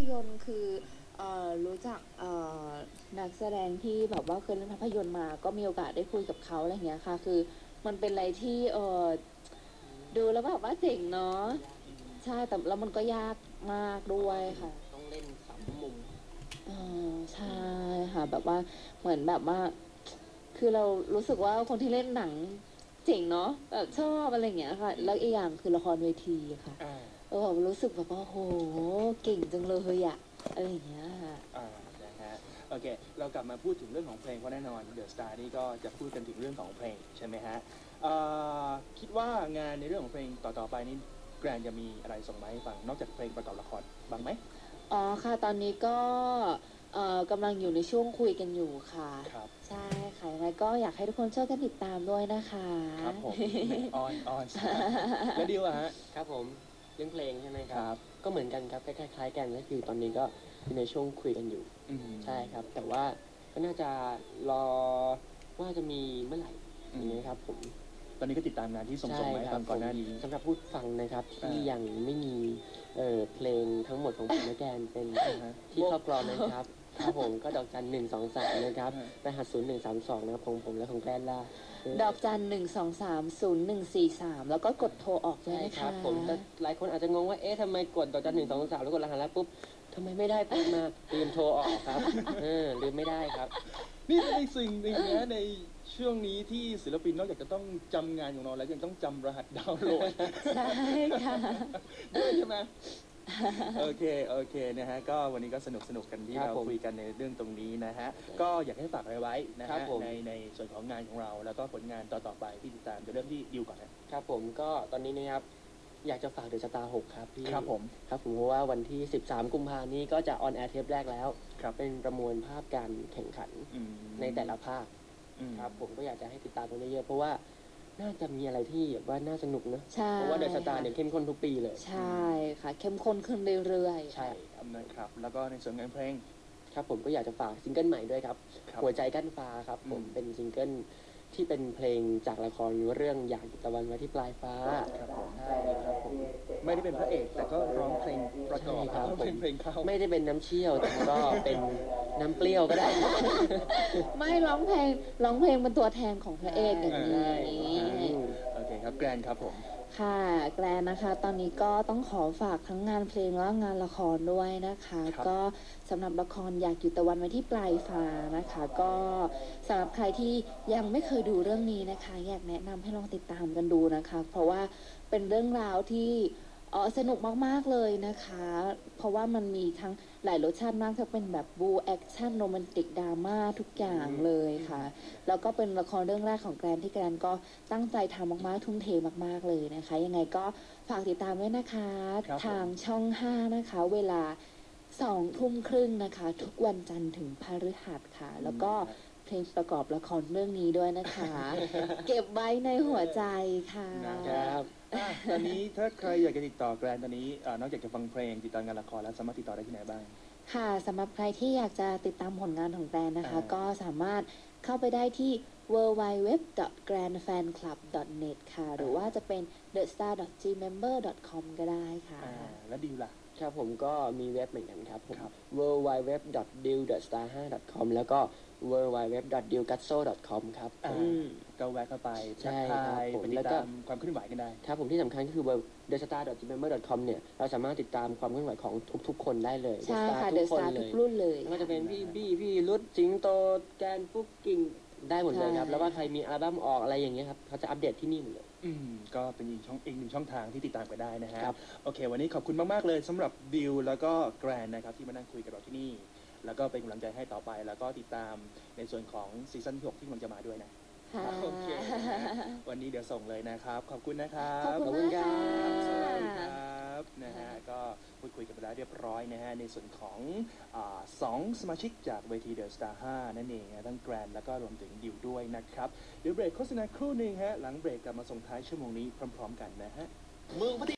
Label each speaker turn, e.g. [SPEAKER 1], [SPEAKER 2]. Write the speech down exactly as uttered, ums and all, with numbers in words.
[SPEAKER 1] ยนตร์คือเอ่อรู้จักเอ่อนักแสดงที่แบบว่าเคยเล่นภาพยนตร์มาก็มีโอกาสได้คุยกับเขาอะไรอย่างเงี้ยค่ะคือมันเป็นอะไรที่เออดูแล้วแบบว่าเจ๋งเนาะใช่แต่แล้วมันก็ยากมากด้วยค่ะ
[SPEAKER 2] ต้องเล่นสามมุม
[SPEAKER 1] เออใช่ค่ะแบบว่าเหมือนแบบว่าคือเรารู้สึกว่าคนที่เล่นหนังเจ๋งเนาะแบบชอบอะไรอย่างเงี้ยค่ะแล้วอีกอย่างคือละครเวทีค่ะเออแบบรู้สึกแบบว่าโหเก่งจังเลยอะอะไรอย่างเงี้ยค่ะ
[SPEAKER 3] อ่านะฮะโอเคเรากลับมาพูดถึงเรื่องของเพลงเพราะแน่นอนเดอะสตาร์นี่ก็จะพูดกันถึงเรื่องของเพลงใช่ไหมฮะคิดว่างานในเรื่องของเพลงต่อๆไปนี้แกรนจะมีอะไรส่งมาให้ฟังนอกจากเพลงประกอบละครบ้างไหม
[SPEAKER 1] อ๋อค่ะตอนนี้ก็เอ่อกำลังอยู่ในช่วงคุยกันอยู่ค่ะ
[SPEAKER 3] ครับ
[SPEAKER 1] ใช่ค่ะยังไงก็อยากให้ทุกคนช่วยกันติดตามด้วยนะคะ
[SPEAKER 3] ครับผมออนออนแล้วดิวอะฮะ
[SPEAKER 2] ครับผมเรื่องเพลงใช่ไหมค
[SPEAKER 3] ค
[SPEAKER 2] รั
[SPEAKER 3] รั
[SPEAKER 2] บบ ก็เหมือนกันครับคล้ายๆกันก็คือตอนนี้ก็อยู่ในช่วงคุยกันอยู่
[SPEAKER 3] อืม
[SPEAKER 2] ใช่ครับแต่ว่าก็น่าจะรอว่าจะมีเมื่อไหร่
[SPEAKER 3] อืม
[SPEAKER 2] อย่างนี้ครับผม
[SPEAKER 3] ตอนนี้ก็ติดตามงานที่ส่ง
[SPEAKER 2] ใช่
[SPEAKER 3] ส่งมาให้
[SPEAKER 2] ครั
[SPEAKER 3] ฟั
[SPEAKER 2] บ
[SPEAKER 3] งก่อนหน้านี้
[SPEAKER 2] สำหรับผู้ฟังนะครับที่
[SPEAKER 3] อ่ายั
[SPEAKER 2] ยังไม่มีเอ่อเพลงทั้งหมดของผมและแกนเป็น
[SPEAKER 3] อ่าฮะ
[SPEAKER 2] ที่ครอบครองนะครับครับผมก็ดอกจันหนึ่งสองสามนะครับ
[SPEAKER 3] อ่า
[SPEAKER 2] รหัสศูนย์หนึ่งสามสองนะครับของผมและของแกนล่า
[SPEAKER 1] ดอกจันหนึ่งสองสามศูนย์หนึ่งสี่สามแล้วก็กดโทรออกด้วย
[SPEAKER 2] ใช่
[SPEAKER 1] นะ
[SPEAKER 2] ครั
[SPEAKER 1] คะ
[SPEAKER 2] บผมแต่หลายคนอาจจะงงว่าเอ๊ะทำไมกดดอกจันหนึ่งสองสามแล้วกดรหัสแล้วปุ๊บทำไมไม่ได้ปุ๊บมาลืมโทรออกครับเออลืมไม่ได้ครับ
[SPEAKER 3] นี่เป็นในสิ่งหนึ่งนะในช่วงนี้ที่ศิลปินนอกจากจะต้องจำงานของเราแล้วยังต้องจำรหัสดาวน์โหลด
[SPEAKER 1] ใช่ค่ะ
[SPEAKER 3] ด้วยใช่ไหมโอเคโอเคนะฮะก็วันนี้ก็สนุกสนุกกันที่
[SPEAKER 2] ครับ
[SPEAKER 3] เรา
[SPEAKER 2] ผม
[SPEAKER 3] คุยกันในเรื่องตรงนี้นะฮะก็อยากให้ฝากอะไรไว้นะ
[SPEAKER 2] ครั
[SPEAKER 3] ฮะ
[SPEAKER 2] บผม
[SPEAKER 3] ในในส่วนของงานของเราแล้วก็ผลงานต่อๆไปที่ติดตามจะเริ่มที่ดิวก่อนนะครับ
[SPEAKER 2] ผมก็ตอนนี้นะครับอยากจะฝากเดอะสตาร์หกครับพี่
[SPEAKER 3] ครับผม
[SPEAKER 2] ครับผมเพราะว่าวันที่สิบสามกุมภาพันธ์นี้ก็จะออนแอร์เทปแรกแล้ว
[SPEAKER 3] ครับ
[SPEAKER 2] เป็นประมวลภาพการแข่งขัน
[SPEAKER 3] อืม
[SPEAKER 2] ในแต่ละภาค
[SPEAKER 3] อืม
[SPEAKER 2] ครับผมก็อยากจะให้ติดตามกันเยอะๆเพราะว่าน่าจะมีอะไรที่แบบว่าน่าสนุกนะ
[SPEAKER 1] ใช่
[SPEAKER 2] เพราะว่าเดอะสตาร์เนี่ยเข้มข้นทุกปีเลย
[SPEAKER 1] ใช่ค่ะ เข้มข้นขึ้นเรื่อยๆ
[SPEAKER 2] ใช่
[SPEAKER 3] ครับนะครับแล้วก็ในส่วนงานเพลง
[SPEAKER 2] ครับผมก็อยากจะฝากซิงเกิลใหม่ด้วยครับ
[SPEAKER 3] ครับ
[SPEAKER 2] หัวใจกั้นฟ้าครับผม
[SPEAKER 3] อืม
[SPEAKER 2] เป็นซิงเกิลที่เป็นเพลงจากละครเรื่องอยากหยุดตะวันไว้ที่ปลายฟ้า
[SPEAKER 3] ครับผม
[SPEAKER 2] ใช่ครับผม
[SPEAKER 3] ไม่ได้เป็นพระเอกแต่ก็ร้องเพลงประกอบ
[SPEAKER 2] ใช่ครับ
[SPEAKER 3] เป็นเพลงเข้า
[SPEAKER 2] ไม่ได้เป็นน้ำเชี่ยวแต่ก็เป็นน้ำเปรี้ยวก็ได้
[SPEAKER 1] ไม่ร้องเพลงร้องเพลงเป็นตัวแทนของพระเอกอย่างนี้
[SPEAKER 3] โอเคครับแกรนครับผม
[SPEAKER 1] ค่ะแกรนนะคะ ตอนนี้ก็ต้องขอฝากทั้งงานเพลงและงานละครด้วยนะคะ
[SPEAKER 3] ครับ
[SPEAKER 1] ก็สำหรับละครอยากอยู่ตะวันไว้ที่ปลายฟ้านะคะ ก็สำหรับใครที่ยังไม่เคยดูเรื่องนี้นะคะ อยากแนะนำให้ลองติดตามกันดูนะคะ เพราะว่าเป็นเรื่องราวที่เออสนุกมากๆเลยนะคะ เพราะว่ามันมีทั้งหลายรสชาติมากจะเป็นแบบบูแอคชั่นโรแมนติกดราม่าทุกอย่างเลยค่ะ แล้วก็เป็นละครเรื่องแรกของแกรนที่แกรนก็ตั้งใจทำมากๆทุ่มเทมากๆเลยนะคะ ยังไงก็ฝากติดตามด้วยนะคะ
[SPEAKER 3] ครับผม
[SPEAKER 1] ทางช่องห้านะคะ เวลาสองทุ่มครึ่งนะคะ ทุกวันจันทร์ถึงพฤหัสค่ะ แล้วก็เพลงประกอบละครเรื่องนี้ด้วยนะคะ เก็บไว้ในหัวใจค่ะ
[SPEAKER 2] ครับ
[SPEAKER 3] อ่ะตอนนี้ถ้าใครอยากจะติดต่อแกรนตอนนี้อ่านอกจากจะฟังเพลงติดต่องานละครแล้วสามารถติดต่อได้ที่ไหนบ้าง
[SPEAKER 1] ค่ะสำหรับใครที่อยากจะติดตามผลงานของแกรนนะคะ
[SPEAKER 3] อ่า
[SPEAKER 1] ก็สามารถเข้าไปได้ที่ ดับเบิลยู ดับเบิลยู ดับเบิลยู ดอท แกรนด์แฟนคลับ ดอท เน็ต ค่ะ หรือว่าจะเป็น เดอะสตาร์ ดอท จี เมมเบอร์ ดอท คอม ก็ได้ค่ะ
[SPEAKER 3] อ่าแล้วดิวล่ะ
[SPEAKER 2] ครับผมก็มีเว็บเหมือนกันครับผม
[SPEAKER 3] ครับ
[SPEAKER 2] ดับเบิลยู ดับเบิลยู ดับเบิลยู ดอท ดิว ดอท สตาร์ ไฟว์ ดอท คอม แล้วก็ ดับเบิลยู ดับเบิลยู ดับเบิลยู ดอท ดิว กัสโซ ดอท คอม ครับ
[SPEAKER 3] อ่า
[SPEAKER 1] อืม
[SPEAKER 3] ก็แวะเข้าไป
[SPEAKER 2] ใช่
[SPEAKER 3] ทัก
[SPEAKER 2] ครับ
[SPEAKER 3] ทาย
[SPEAKER 2] ผม
[SPEAKER 3] ไปติ
[SPEAKER 2] แล้ว
[SPEAKER 3] ด
[SPEAKER 2] ก็
[SPEAKER 3] ตามความเคลื่อนไหวกันได้
[SPEAKER 2] ครับผมที่สำคัญก็คือ เดอะสตาร์ ดอท จี เมมเบอร์ ดอท คอม เนี่ยเราสามารถติดตามความเคลื่อนไหวของทุกๆ คนได้เลย
[SPEAKER 1] ใช่ค่ะ
[SPEAKER 2] The
[SPEAKER 1] เด
[SPEAKER 2] Star
[SPEAKER 1] อะสตาร์
[SPEAKER 2] ทุ
[SPEAKER 1] ทุ
[SPEAKER 2] ก
[SPEAKER 1] ก
[SPEAKER 2] คนเลย
[SPEAKER 1] รุ่นเลย
[SPEAKER 2] ไม่ว่าจะเป็นพี่บี้พี่รุดสิงโตแกนปุ๊กกิ่งได้หมดเลยครับ
[SPEAKER 1] ใช่
[SPEAKER 2] แล้วว่าใครมีอัลบั้มออกอะไรอย่างเงี้ยครับเขาจะอัปเดตที่นี่หมดเลย
[SPEAKER 3] อืมก็เป็นอีกช่องอีกหนึ่งช่องทางที่ติดตามไปได้นะฮะ
[SPEAKER 2] ครับ
[SPEAKER 3] โอเค วันนี้ขอบคุณมากๆเลยสำหรับดิวแล้วก็แกรนนะครับที่มานั่งคุยกับเราที่นี่ แล้วก็เป็นกำลังใจให้ต่อไป แล้วก็ติดตามในส่วนของซีซั่นที่หกที่กำลังจะมาด้วยนะ
[SPEAKER 1] ค่ะ
[SPEAKER 3] โอเคนะฮะวันนี้เดี๋ยวส่งเลยนะครับ ขอบคุณนะครับ
[SPEAKER 1] ขอบคุณมากค่ะ
[SPEAKER 3] สวัสดีครับนะฮะก็พูดคุยกันไปแล้วเรียบร้อยนะฮะในส่วนของอาสองสมาชิกจากเวทีเดอะสตาร์ห้านั่นเองนะทั้งแกรนแล้วก็รวมถึงดิวด้วยนะครับเดี๋ยวเบรกโฆษณาครู่หนึ่งฮะหลังเบรกกลับมาส่งท้ายชั่วโมงนี้พร้อมๆกันนะฮะ
[SPEAKER 4] เมืองพัท